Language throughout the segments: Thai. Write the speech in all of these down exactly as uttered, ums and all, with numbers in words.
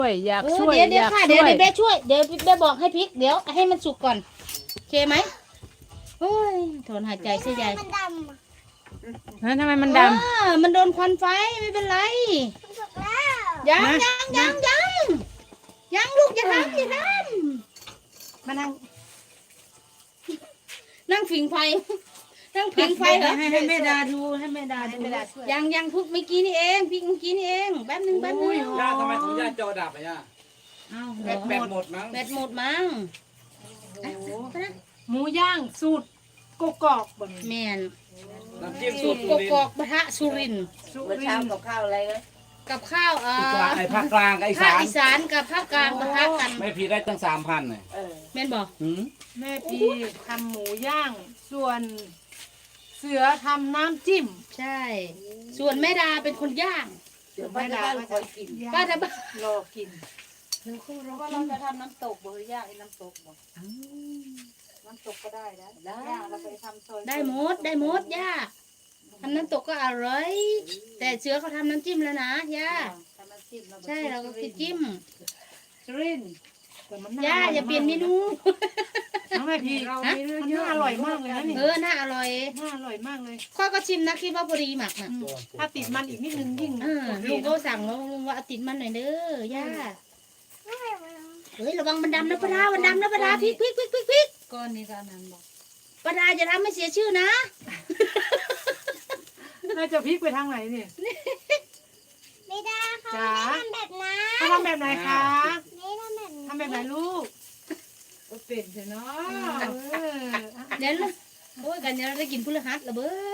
ช่วยอยากเออช่วยเดี๋ยวเดี๋อยวยากค่ะช่เดี๋ยววยเดี๋ยวแม่ช่วยเดี๋ยวแม่บอกให้พริกเดี๋ยวให้มันสุกก่อนโอเคไหมเฮ้ยถอนหายใจเสียใหญ่มันดำอะฮะทำไมมันดอ่ามันโดนควันไฟไม่เป็นไรมันสุกแล้วยังนะยังยังยังยังลูกอย่าทำอย่าทำมานั่งนั่งผิงไฟนั่งผิงไฟเหรอให้ให้แม่ดาดูให้แม่ดาดูยังยังพุกเมื่อกี้นี่เองพริกเมื่อกี้นี่เองแป๊บนึงแป๊บนึงย่าทำไมของย่าจอดับอ่ะย่าอ้าวแบตแบตหมดมั้งแบตหมดมั้งโอ้โหไปนะหมูย่างสูตรกกอกบนแมนน้ำจิ้มสูสูตตรรกสุรินกทอกร์ปะทะสุรินทร์สุเมื่อริเช้านทร์กับข้าวอะไรกันกับข้าวเอ่อกลางไอ้ภาคกลางกับไอ้ภาคสานอีสานกับภาคกลางปะทะกันไม่ผิดได้ตั้งสามพันเลยเออแม่นบอกหืมแม่พีทำหมูย่าง ส่วนเสือทำน้ำจิ้มใช่ ส่วนแม่ดาเป็นคนย่างเดี๋ยวป้าจะบ้านคอยกินป้าทำบ้านรอกินเพราะว่าเราจะทำน้ำตกบ่หรือย่างไอ้น้ำตกบ่น้ำตกก็ได้นะย่างเราไปทำซอยได้หมดได้หมดย่าทำน้ำตกก็อร่อย แต่เสือเขาทำน้ำจิ้มแล้วนะย่าทำน้ำจิ้มใช่เราก็คือจิ้มสุรินทร์แต่มันย่าอย่าเปลี่ยนเมนูน้องแม่พีมันน่าอร่อยมากเลยนะนี่เออน่าอร่อยน่าอร่อยมากเลยข้อยก็ชิมนะคิดว่าพอดีหมักน่ะอืมถ้าติดมันอีกนิดนึงยิ่งเออโอเคลุงก็สั่งแล้วลุงว่าเอาติดมันหน่อยเด้อย่าไม่มันเฮ้ยระวังมันดำนะปลาดามันดำนะปลาดาพริกพริกพริกพริกพริกก้อนนี้ก็อันนั้นบอกปลาดาจะทำให้เสียชื่อนะน่าจะพลิกไปทางไหนนี่ไม่ได้เขาจ๋าไม่ได้ทำแบบนั้นเขาทำแบบไหนคะไม่ได้ทำแบบนั้นทำแบบไหนลูกก็เป็นใช่เนาะเออเดี๋ยวนะโอ้ยกันเดี๋ยวเราได้กินพฤหัสละเบ้อ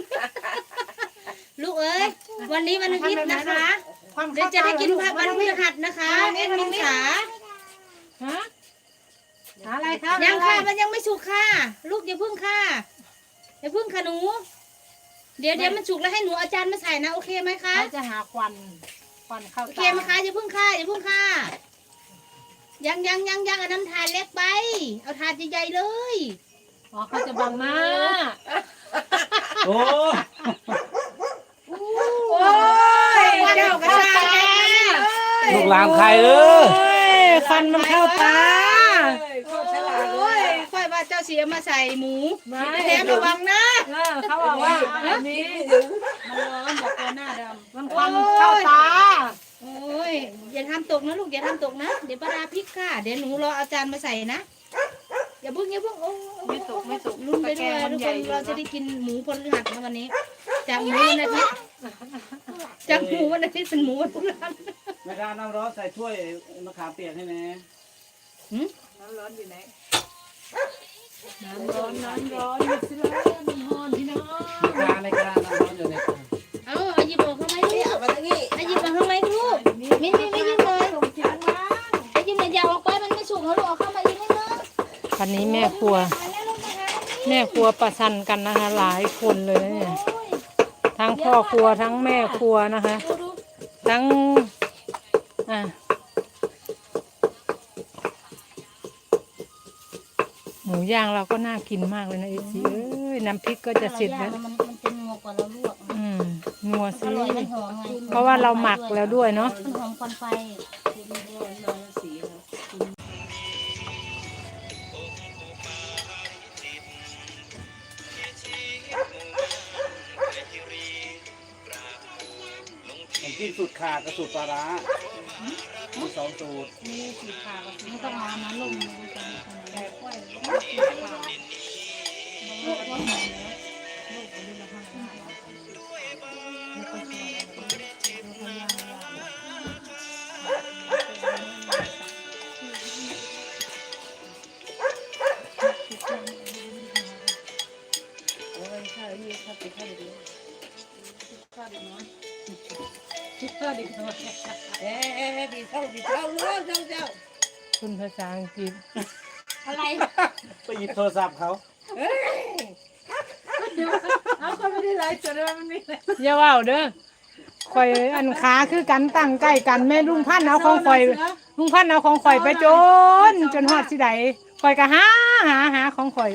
ลูกเอ้ยวันนี้วันอาทิตย์นะคะความเดี๋ยวจะได้กินผักวันพฤหัสนะคะเอ็ดมินขาฮะหาอะไรครับยังค่ะอะไรมันยังไม่สุกค่ะ ลูกอย่าพึ่งค่ะอย่าพึ่งค่ะหนู เดี๋ยวเดี๋ยวมันสุกแล้วให้หนูอาจารย์มาใส่นะโอเคไหมคะเขาจะหาควันควันเข้าโอเคตาไหมคะอย่าพึ่งค่ะอย่าพึ่งค่ะยังยังยังยังเอาน้ำทานเล็กไป เอาทานใหญ่ๆเลยอ๋อเขาจะบังหน้าโอ้โอ้ยเจ้ากระชากแกลูกหลานใครเออโอ้ยควันมันเข้าตาโคตรฉลาดเลโอ้ยยค่อยว่าเจ้าเสียมาใส่หมูไม่แถมระวังนะเออเขาบอกว่าอันนี้มันร้อนบอกตัวหน้าดำมันควันเข้าตาโอ้ยอย่าทำตกนะลูกอย่าทำตกนะเดี๋ยวปลาดาพริกค่ะเดี๋ยวหนูรออาจารย์มาใส่นะอย่าพึ่งอย่าพึ่งโอ้ไม่ตกไม่ตกลุ้นไปด้วยทุกคนเราจะได้กินหมูพลหัสนะวันนี้ จากหมูวันอาทิตย์จากหมูวันอาทิตย์เป็นหมูวันพฤหัสไม่ได้น้ำร้อนใส่ถ้วยมะขามเปียกให้แน่น้ำร้อนอยู่ไหนน้ำร้อนน้ำร้อนมิสลามีฮอนพี่น้องกลางในกลางน้ำร้อนอยู่ในกลางเอาเอาหยิบออกเข้ามาลูนี่กเอามาตรงนี้เอาหยิบออกเข้ามาลูกไม่ไม่ไม่หยิบเลยส่งจานมาไอ้หยิบเนี่ยอย่าออกไปมันไม่สุกเขาลูกเอาเข้ามาอีกนิดนึงวันนี้แม่ครัวแล้วลงมาหาอันนี้แม่ครัวประชันกันนะคะ หลายคนเลยนะเนี่ยโอ้ยทั้งพ่อครัวทั้งแม่ครัวนะคะดูดูทั้งอ่ะหมูย่างเราก็น่ากินมากเลยนะเอซีเอ้ยน้ำพริกก็จะเสร็จแล้วมันมันเป็นงัวกว่าเราลวกอืมนัวอสิร่อยมันหอมไงเพราะว่าเราหมักแล้วด้วยเนาะมันหอมควันไฟสีนะผมกินสูตรขาดกับสูตรปลาร้ามีสองสูตรนี่สีขาวไม่ต้องเอาน้ำลงมันจะมีคนแต่ค่อยสีขาวลูกว่าหอมแล้วลูกเอาลูกละห้าห้าไม่ค่อยชอบลูกพยายามโอ้ยข้าวนี่ข้าวติดข้าวเดียวข้าวเดียวน้อยข้าวดีกว่าเอ๊ะบีเท่าบีเท่าเรื่องเจ้าเจ้าคุณภาษาอังกฤษอะไรไปหยิบโทรศัพท์เขาเอาคนไม่ได้ไลฟ์สดเลยมันไม่ไลฟ์อย่าว่าเด้อข่อยอันขาคือกันตั้งใกล้กันแม่ลุงพันธุ์เอาของข่อยลุงพันธุ์เอาของข่อยไปจนจนฮอดสิใดข่อยก็หาหาหาของข่อย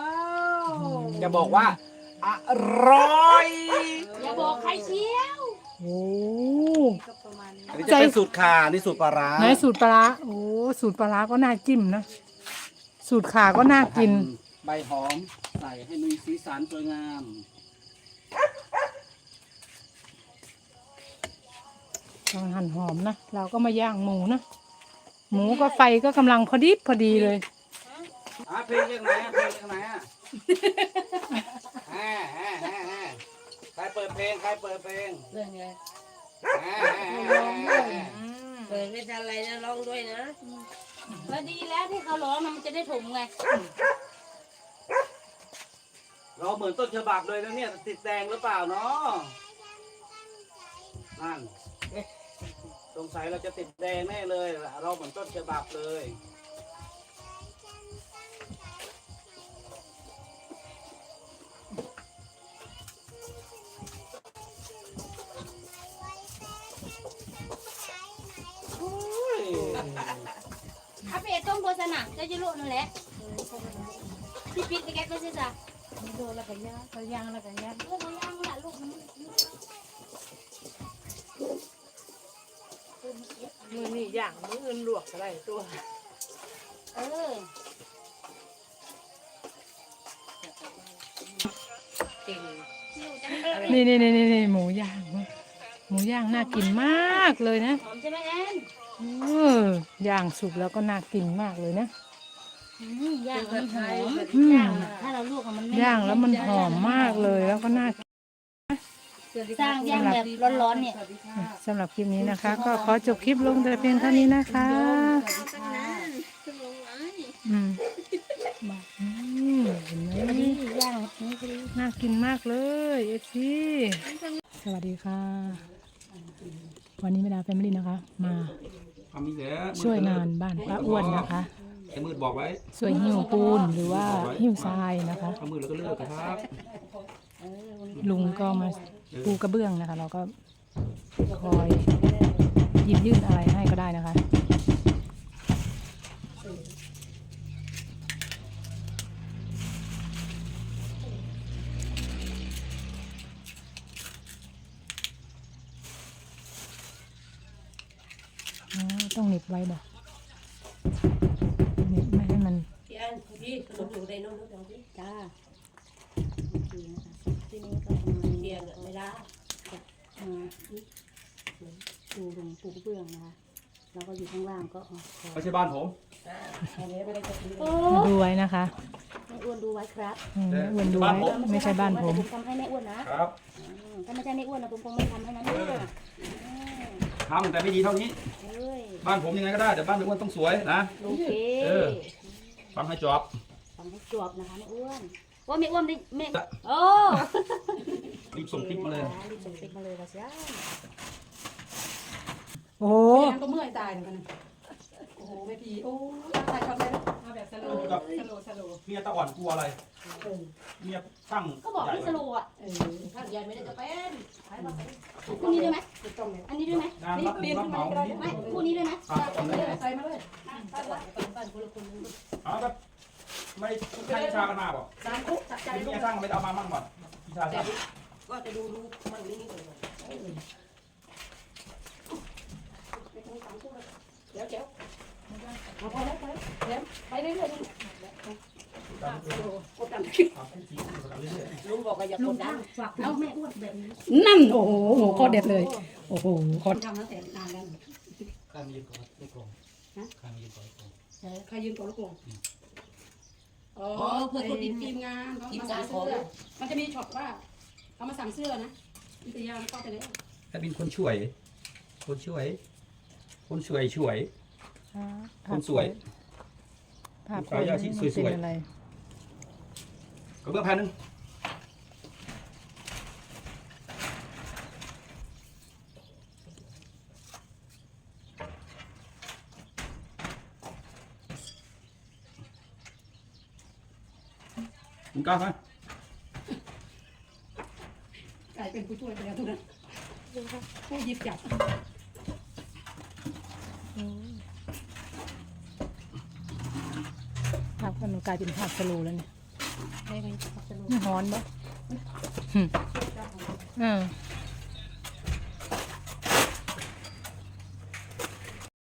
ว้าวจะบอกว่าอร่อยอย่าบอกใครเชียวโอ้ก็ประมาณนี้อันนี้จะเป็นสูตรข่านี่สูตรปลาร้าไหนสูตรปลาร้าโอ้สูตรปลาร้าก็น่าจิ้มนะสูตรขาก็น่ากินใบหอมใส่ให้มีสีสันสวยงามกำลังหั่นหอมนะเราก็มาย่างหมูนะหมูก็ไฟก็กำลังพอดีพอดีเลยอ่ะเพลงยังไงอ่ะเพลงยังไงอ่ะอ่าอ่าอ่าอ่าใครเปิดเพลงใครเปิดเพลงเรื่องไงอ่าอ่าอ่าอ่าเปิดไม่ทันไรนะร้องด้วยนะแล้วดีแล้วที่เขาร้องนะมันจะได้ถมไงเราเหมือนต้นฉบับเลยนะเนี่ยติดแดงหรือเปล่าเนาะนั่นสงสัยเราจะติดแดงแน่เลยเราเหมือนต้นฉบับเลย โอ้ยเอาไปต้มโบสนะจะจะโลนั่นแหละพี่ปิ๊กไปแกก็ใช่จ้ะโดนแล้วก็ย่างก็ย่างแล้วก็ย่างลูกมันย่างละลูกมันมือนี่ย่างมืออื่นลวกอะไรตัวเออเก่งนี่นี่นี่นี่หมูย่างหมูย่างน่ากินมากเลยนะหอมใช่ไหมแอนเออย่างสุกแล้วก็น่ากินมากเลยนะอืมย่างมันหอมอืมย่างอะถ้าเราลวกอะมันไม่ย่างแล้วมันหอมมากเลยแล้วก็น่าสร้างย่างแบบร้อนๆเนี่ยสำหรับคลิปนี้นะคะ ก็ขอจบคลิปลงแต่เพียงเท่านี้นะคะอืมอืมเห็นไหมนี่ย่างนี่คือน่ากินมากเลยเอฟซีสวัสดีค่ะ วันนี้แม่ดาแฟมิลี่นะคะ มาทำนี่แหละช่วยงานบ้านป้าอ้วนนะคะไอ้มืดบอกไว้ช่วยหิ้วปูนหรือว่าหิ้วทรายนะคะถ้ามืดแล้วก็เลิกครับลุงก็มาปูกระเบื้องนะคะ เราก็คอยหยิบยื่นอะไรให้ก็ได้นะคะ อ๋อต้องเหน็บไว้บ่เหน็บไม่ให้มันพี่อันพี่ขนมอยู่ในนู้นนู้นพี่จ้าที่นี่ก็ประมาณเทีนี้ยนไม่ได้มาดูลงปูกระเบื้องนะคะแล้วก็อยู่ข้างล่างก็อ๋อไม่ใช่บ้านผมอันนี้ไม่ได้จะกินโอ้มาดูไว้นะคะแม่อ้วนดูไว้ครับอืมแม่อ้วนดูไว้ไม่ใช่บ้านผมแต่ผมทำให้แม่อ้วนนะครับ อืมถ้าไม่ใช่แม่อ้วนนะผมคงไม่ทำให้นะเนี่ยอืมทำแต่ไม่ดีเท่านี้เอ้ยบ้านผมยังไงก็ได้แต่บ้านไม่อ้วนต้องสวยนะโอเคเออ ฟังให้จบฟังให้จบนะคะแม่อ้วนว่าแม่อ้วนไม่แม่โอ้รีบส่งคลิปมาเลยรีบส่งคลิปมาเลยละจ้าโอ้โหยังก็เมื่อยตายเหมือนกันนะโอ้โหแม่พีโอ้ยตายทำเลยมาแบบสโลว์สโลว์สโลว์เมียตะอ่อนกลัวอะไรเมียตั้งก็บอกพี่สโลว์อ่ะเออถ้าใหญ่ไม่ได้จะเป็นใช้มาใส่คู่นี้ด้วยไหมติดตรงเนี่ยอันนี้ด้วยไหมงานรับรับเหมานี้ไม่คู่นี้ด้วยไหมตามตะอ่อนเลยใส่มาเลยใส่มาใส่คนละคนเอาแบบไม่ใช่ชากันมาบ่สามคุกจับใจเมีลูกยสร้างไม่เอามามั่งบ่พี่ชายสร้างก็จะดูดูมันนี่นี่ก่อนเดี๋ยวเดี๋ยวเอาพอแล้วไปเดี๋ยวไปเรื่อยๆกดดันลุงบอกว่าอย่ากดดันเอาแม่อ้วนแบบนี้นั่นโอ้โหโคตรเด็ดเลย โอ้โหโคตรทำตั้งแต่นานแล้วข้ามียืนก่อนไม่โกงข้ามียืนก่อนใครยืนก่อนลูกโป่งอ๋อเพื่อคนทีมงานทีมงานเสื้อมันจะมีช็อตว่าเขามาสั่งเสื้อนะวิทยาก็ไปแล้วแค่เป็นคนช่วย คนช่วย คนช่วยช่วย คนสวยภาพขออนุญาตที่สวยๆเป็นอะไรกระเบื้องแผ่นหนึงมึงกล้าไหมกลายเป็นผู้ช่วยไปแล้วทุกนั้นผู้หยิบจับภาพมันกลายเป็นภาพสโลว์แล้วเนี่ยใช่ไหมสโลว์ไม่ฮ้อนปะอืมเออ